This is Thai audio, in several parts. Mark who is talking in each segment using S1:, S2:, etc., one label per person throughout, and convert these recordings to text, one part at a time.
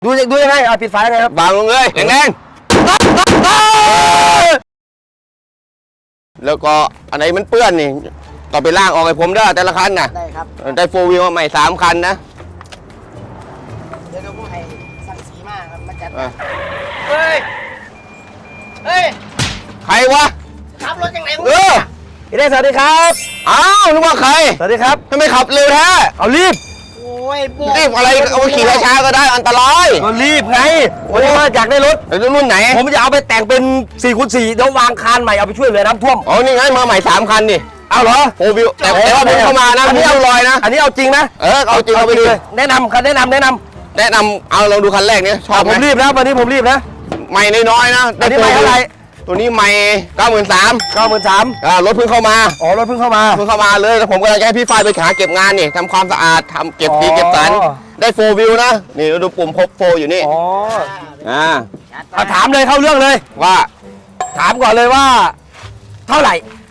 S1: ดูยังไงปิดไฟยังไงครับ
S2: วางลงเลยแรงๆแล้วก็อันไหนมันเปื้อนนี่ต่อไปล่างออกให้ผมได้แต่ละคันนะ
S1: ได้ครับ
S2: ได้โฟวิวใหม่3 คันนะ
S1: เดี๋ยวผมให้สั่งสีมาครับมาจัด
S2: เฮ้ยใครวะ
S1: ขับรถยังไง
S2: พี่
S1: ได้สวัสดีครับ
S2: อ้าวนึกว่าใคร
S1: สวัสดีครับ
S2: ทำไมขับเร็วแท้
S1: เอารีบ
S2: รีบอะไรเอาขี่ช้าๆก็ได้อันตราย
S1: ก็รีบไงวันนี้ว่าอยากได้รถ
S2: รุ่นไหน
S1: ผมจะเอาไปแต่งเป็น 4x4 เดี๋ยววางคานใหม่เอาไปช่วยเหลือน้ำท่วม
S2: อ๋อนี่ไงมาใหม่3 คันนี่
S1: เอาเหรอ
S2: โฟวิวแต่ว่าผมเข้ามานะอันนี้เอาลอยนะ
S1: อันนี้เอาจริงนะ
S2: เอาจริงเอาไปเลย
S1: แนะนำ
S2: เอาลองดูคันแรกนี้ชอบไหม
S1: ผมรีบนะวันนี้ผมรีบนะ
S2: ใหม่น้อยๆนะ
S1: อันนี้ใหม่เท่าไหร่
S2: ตัวนี้ใหม่93,000รถเพิ่งเข้ามาร
S1: ถเพิ่งเข้ามา
S2: เลยแล้วผมก็จะให้พี่ฝ้ายไปหาเก็บงานนี่ทำความสะอาดทำเก็บดีเก็บสันได้โฟวิวนะนี่ดูปุ่มพบโฟอยู่นี่
S1: ถามเลยเข้าเรื่องเลย
S2: ว่า
S1: ถามก่อนเลยว่าเท่าไหร่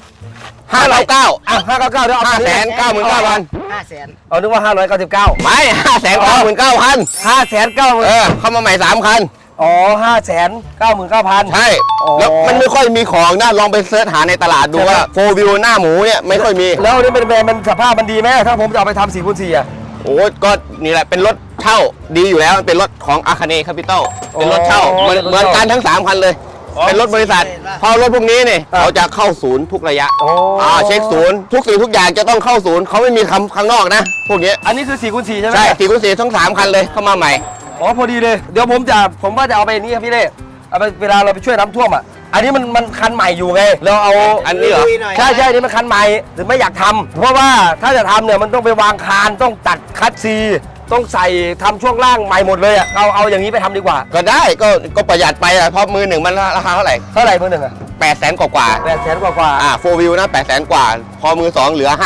S2: 599
S1: เดี๋ยวเอา
S2: 599,000
S1: 500,000เอานึกว่า599
S2: ไม่599,000
S1: 599,000
S2: เข้ามาใหม่3 คัน
S1: อ๋อ599,000
S2: ใช่แล้วมันไม่ค่อยมีของนะลองไปเสิร์ชหาในตลาดดูว่าโฟวิวหน้าหมูเนี่ยไม่ค่อยมี
S1: แล้วนี่เป็นแบรนด์มันสภาพมันดีไหมถ้าผมจะเอาไปทำ4x4อ่ะ
S2: โอ้ก็นี่แหละเป็นรถเช่าดีอยู่แล้วเป็นรถของอาคาเนคาปิตอลเป็นรถเช่าเหมือนกันทั้ง3 คันเลยเป็นรถบริษัทพอรถพวกนี้เนี่ยเขาจะเข้าศูนย์ทุกระยะเช็คศูนย์ทุกสิ่งทุกอย่างจะต้องเข้าศูนย์เขาไม่มีข้างนอกนะพวกนี้
S1: อันนี้คือ 4x4 ใช่ไหม
S2: ใช่ 4x4 ทั้ง3 คันเลยเข้ามาใหม่
S1: อ๋อพอดีเลยเดี๋ยวผมว่าจะเอาไปนี่ครับพี่เล่เอาไปเวลาเราไปช่วยน้ำท่วมอ่ะอันนี้มันคันใหม่อยู่ไงเราเอา
S2: อันนี้เหรอ
S1: ใช่นี่มันคันใหม่ถึงไม่อยากทำเพราะว่าถ้าจะทำเนี่ยมันต้องไปวางคานต้องตัดคัดซีต้องใส่ทำช่วงล่างใหม่หมดเลยอ่ะเอาอย่างนี้ไปทำดีกว่า
S2: ก็ได้ก็ประหยัดไปเพราะมือหนึ่งมันราคาเท่าไหร่
S1: มือหนึ่งอ่ะ
S2: 800,000 กว่า
S1: 800,000 กว่า
S2: โฟวิวนะ800,000 กว่าพอมือ2เหลือ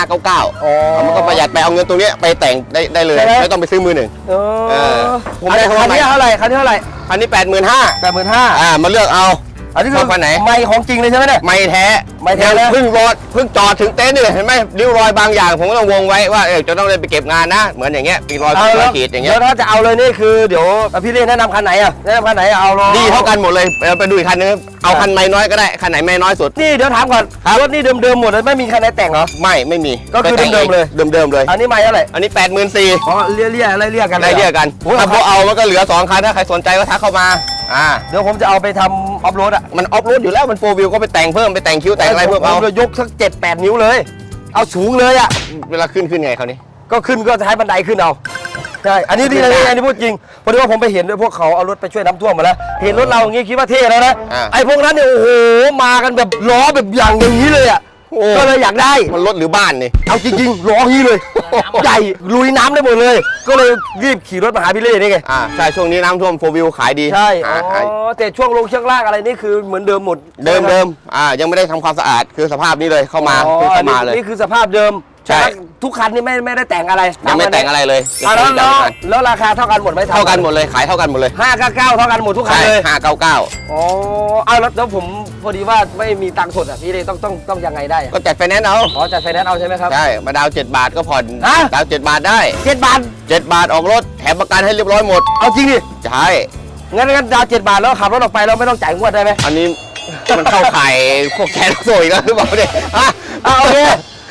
S2: 599มันก็ประหยัดไปเอาเงินตรงนี้ไปแต่งได้เลยไม่ต้องไปซื้อมือหนึ่ง
S1: ผมได้คันนี้เท่าไหร่คันนี้
S2: 85,000มาเลือกเอา
S1: อันนี้คือ
S2: คันไหน
S1: ไม่ของจริงเลยใช่ไหมเนี่ย
S2: ไม่แท้เพิ่งจอดถึงเต็นท์นี่เห็นไหมริ้วรอยบางอย่างผมก็ต้องวงไว้ว่าจะต้องไปเก็บงานนะเหมือนอย่างเงี้ยเป็นรอยขีดอย่างเงี้ย
S1: แล้วถ้าจะเอาเลยนี่คือเดี๋ยวพี่เล่แนะนำคันไหนอ่ะแนะนำคันไหนเอา
S2: ดีเท่ากันหมดเลยไปดูอีกคันนึงเอาคันไม่น้อยก็ได้คันไหนไม่น้อยสุด
S1: นี่เดี๋ยวถามก่อนรถนี่เดิมหมดเลยไม่มีคันไหนแต่งเหรอ
S2: ไม่มี
S1: ก็คือเดิมเลย
S2: อันนี้
S1: ไม่เท่าไหร่
S2: อันนี้84,000
S1: อ๋อเรียกกัน
S2: ถ้าเขาเอามันก็เหลือ2 คันถ้าใครสนใจก็ทักเข้ามา
S1: เดี๋ยวผมจะเอาไปทำออฟโรดอ่ะ
S2: มันออฟโรดอยู่แล้วมันโฟวิวก็ไปแต่งเพิ่มไปแต่งคิ้วแต่งอะไรเพิ่มเอา
S1: ยกสัก7-8 นิ้วเลยเอาสูงเลยอ่ะ
S2: เวลาขึ้นไงเขานี่
S1: ก็ขึ้นก็ใช้บันไดขึ้นเอาใช่อันนี้ดีเลยอันนี้พูดจริงพอดีว่าผมไปเห็นด้วยพวกเขาเอารถไปช่วยน้ำท่วมมาแล้วเห็นรถเราอย่างงี้คิดว่าเท่แล้วนะไอ้พวกนั้นเนี่ยโอ้โหมากันแบบล้อแบบอย่างนี้เลยอ่ะก็เลยอยากได้
S2: มันรถหรือบ้านนี่
S1: เอาจริงๆล้อนี้เลยใหญ่ลุยน้ำได้หมดเลยก็เลยรีบขี่รถมาหาพี่เล่นี่ไง
S2: ใช่ช่วงนี้น้ำท่วมโฟวิวขายดี
S1: ใช่แต่ช่วงลงเชือกลากอะไรนี่คือเหมือนเดิมหมด
S2: เดิมยังไม่ได้ทำความสะอาดคือสภาพนี้เลยเข้ามาเลย
S1: นี่คือสภาพเดิมใช่ทุกคันนี่ไม่ได้แต่งอะไร
S2: ยังไม่แต่งอะไรเลย
S1: แล้วราคาเท่ากันหมดไหม
S2: เท่ากันหมดเลยขายเท่ากันหมดเลย
S1: 599เท่ากันหมดทุกคันเลย
S2: 599
S1: อ๋อเอาแล้วผมพอดีว่าไม่มีตังค์สดอ่ะพี่เลยต้องยังไงได้
S2: ก็จัดไฟแนนซ์เอา
S1: จัดไฟแนนซ์เอาใช่ไหมครับ
S2: ใช่มาดาว7 บาทก็ผ่อนดาว7 บาทได้
S1: 7 บาท
S2: ออกรถแถมประกันให้เรียบร้อยหมด
S1: เอาจริงดิ
S2: ใช่
S1: งั้นดาว7 บาทแล้วขับรถออกไปเราไม่ต้องจ่ายงวดได้ไหม
S2: อันนี้มันเข้าข่ายพวกแชร์โซ่อีกแล้วหรือเปล่าเนี่ย
S1: โอเค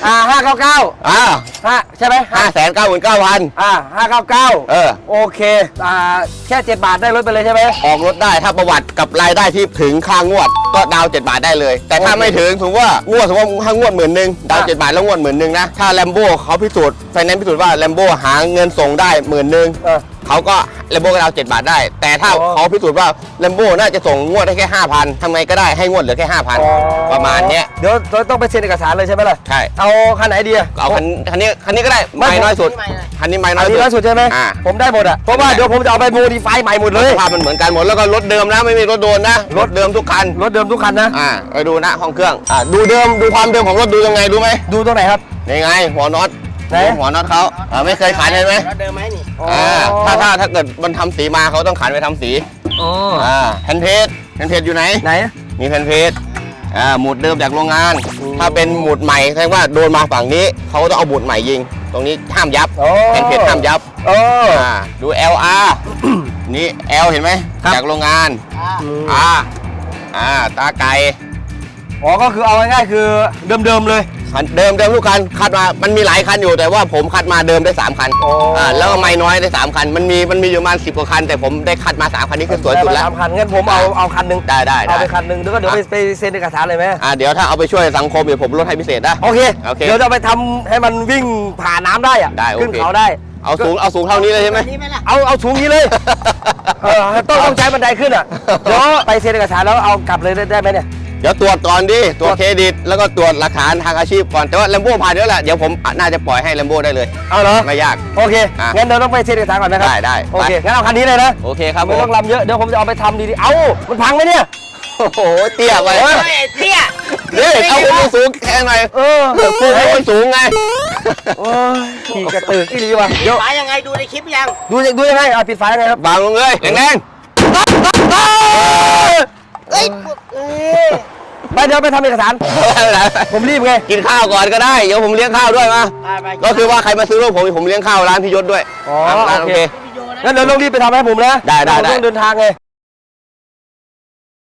S1: 599ใช่ไหม
S2: 599,000
S1: 599โอเคแค่7 บาทได้รถไปเลยใช่ไหม
S2: ออกรถได้ถ้าประวัติกับรายได้ที่ถึงค่างวดก็ดาว7 บาทได้เลยแต่ถ้าไม่ถึงถือว่างวดถ้างวด10,000ดาว7 บาทแล้วงวด10,000นะถ้าแลมโบ้เขาพิสูจน์ไฟแนนซ์พิสูจน์ว่าแลมโบ้หาเงินส่งได้10,000เขาก็แลมโบ้ก็ดาว7 บาทได้แต่ถ้าเขาพิสูจน์ว่าแลมโบ้น่าจะส่งงวดได้แค่ 5,000 ทำไงก็ได้ให้งวดเหลือแค่ 5,000 ประมาณเนี้ย
S1: เดี๋ยวต้องไปเซ็นเอกสารเลยใช่ไหมล่ะ
S2: ใช่
S1: เอาคันไหนดี
S2: เอาคันนี้ก็ได้ไม่น้อยสุดคันนี้ไม่น้อย
S1: สุดใช่ไหมผมได้หมดอ่ะเพราะว่าเดี๋ยวผมจะเอาไปโมดิฟายใหม่หมดเลย
S2: สภาพมันเหมือนกันหมดแล้วก็รถเดิมนะไม่มีรถโดนนะรถเดิมทุกคัน
S1: นะ
S2: ไปดูนะห้องเครื่องดูความเดิมของรถดูยังไงรู้ไหม
S1: ดูตรงไหนครับ
S2: นี่ไงหัวน็อตหัวน็อตเขาไม่เคยขันเลยไหม
S1: เดิมไหมนี่
S2: ถ้าเกิดมันทำสีมาเขาต้องขันไปทำสีแผ่นเพจอยู่ไหนมีแผ่นเพจหมุดเดิมจากโรงงานถ้าเป็นหมุดใหม่แสดงว่าโดนมาฝั่งนี้เขาต้องเอาหมุดใหม่ยิงตรงนี้ห้ามยับแผ่นเพจห้ามยับดู LR นี่แอลเห็นไหม
S1: ครับ
S2: จากโรงงาน
S3: อ่า
S2: ตาไก่
S1: อ๋อก็คือเอาง่ายๆคือเดิมๆเลย
S2: คันเดิมทุกคันคัดมามันมีหลายคันอยู่แต่ว่าผมคัดมาเดิมได้3คัน
S1: อ๋อ
S2: แล้วก็ไม่น้อยได้3คันมันมีอยู่ประมาณ10กว่าคันแต่ผมได้คัดมา3คันนี้คือสวยสุดแล้ว
S1: ได้มา3 คันงั้นผมเอาคันหนึ่ง
S2: ได้
S1: เอาไปคันหนึ่งแล้วก็เดี๋ยวไปเซ็นเอกสารเลยไหม
S2: เดี๋ยวถ้าเอาไปช่วยสังคมเดี๋ยวผมลดให้พิเศษนะ
S1: โอเค
S2: โอเค
S1: เดี๋ยวจะไปทำให้มันวิ่งผ่านน้ำได้อะ
S2: ได้โอเค
S1: ขึ้นเขาได้
S2: เอาสูงเท่านี้เลยใช่ไหม
S3: นี่ไหมล่ะ
S1: เอาสูงนี้เลยต้องใช้บันไดขึ้นอ่ะเดี๋ยวไปเซ็นเอกสารแล้วเอากลับเลยได้ไหมเนี่ย
S2: เดี๋ยวตรวจก่อนดิตรวจเครดิตแล้วก็ตรวจหลักฐานทางอาชีพก่อนแต่ว่าแลมโบ้ผ่านเยอะแหละเดี๋ยวผมน่าจะปล่อยให้แลมโบ้ได้เลย
S1: เอาเหรอ
S2: ไม่ยาก
S1: โอเคงั้นเดี๋ยวต้องไปเซ็นเอกสารก่อนนะครับ
S2: ได้
S1: โอเคงั้นเอาคันนี้เลยนะ
S2: โอเคครับผ
S1: ไม่
S2: ม
S1: ต้องลำเยอะเดี๋ยวผมจะเอาไปทำดีๆเอ้ามันพังไหมเนี่ย
S2: โอ้โหเตี้ยไป
S3: เฮ้ยเตี้ย
S2: นี่เอาคนสูงแค่หน่อย
S1: เออ
S2: พูดให้คนสูงไง
S1: โอ้ยขี่กระตือกอีหลีว่ะเดี๋ยว
S3: ฝายังไงดูในคลิปยัง
S1: ดูยังไงเอาปิดไฟยังไงครับ
S2: บางลงเลยแรง
S3: เอ้ย
S1: ไปเดี๋ยวไปทำเอกสาร
S2: ๆ
S1: ผมรีบไง
S2: กินข้าวก่อนก็ได้เดี๋ยวผมเลี้ยงข้าวด้วยมา
S3: ไป
S2: ก็คือว่าใครมาซื้อรถผมเลี้ยงข้าวร้านพี่ยศด้วย
S1: อ๋อ
S2: ร้านโอเค
S3: วิดีโอนะ
S1: งั้นเดี๋ยวต้องรีบไปทำให้ผมนะ
S2: ได้
S1: ผมต้องเดินทางไง